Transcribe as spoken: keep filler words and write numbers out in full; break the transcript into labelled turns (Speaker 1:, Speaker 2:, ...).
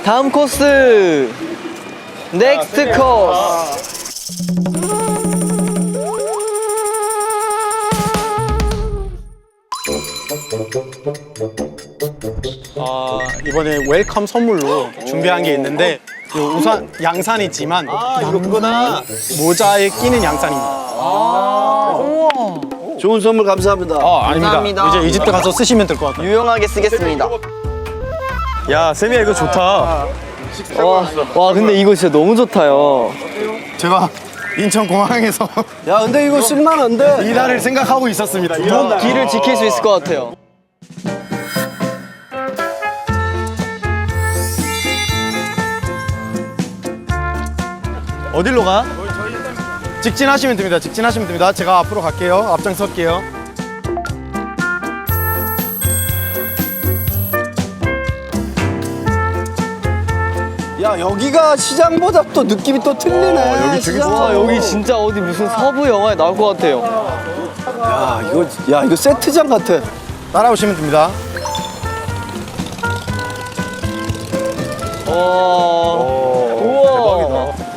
Speaker 1: 다음 코스. 넥스트 코스.
Speaker 2: 아, 이번에 웰컴 선물로 준비한 게 있는데 이 우선 양산이지만
Speaker 3: 아, 이거구나.
Speaker 2: 모자에 끼는 양산입니다.
Speaker 3: 좋은 선물 감사합니다.
Speaker 2: 아, 아닙니다.
Speaker 1: 감사합니다.
Speaker 2: 이제 이집트 가서 쓰시면 될 것 같아요.
Speaker 1: 유용하게 쓰겠습니다.
Speaker 4: 야, 세미야 이거 좋다.
Speaker 1: 와, 와 근데 이거 진짜 너무 좋다요.
Speaker 2: 제가 인천 공항에서
Speaker 3: 야, 근데 이거 쓸만한데?
Speaker 2: 이날을 생각하고 있었습니다.
Speaker 1: 길을 지킬 수 있을 것 같아요.
Speaker 2: 어디로 가? 직진하시면 됩니다. 직진하시면 됩니다. 제가 앞으로 갈게요. 앞장설게요.
Speaker 3: 야, 여기가 시장보다 또 느낌이 또 틀리네.
Speaker 4: 여기 되게
Speaker 3: 시장.
Speaker 1: 와 여기 진짜 어디 무슨 서부 영화에 나올 것 같아요.
Speaker 3: 야, 이거, 야, 이거 세트장 같아.
Speaker 2: 따라오시면 됩니다.
Speaker 1: 와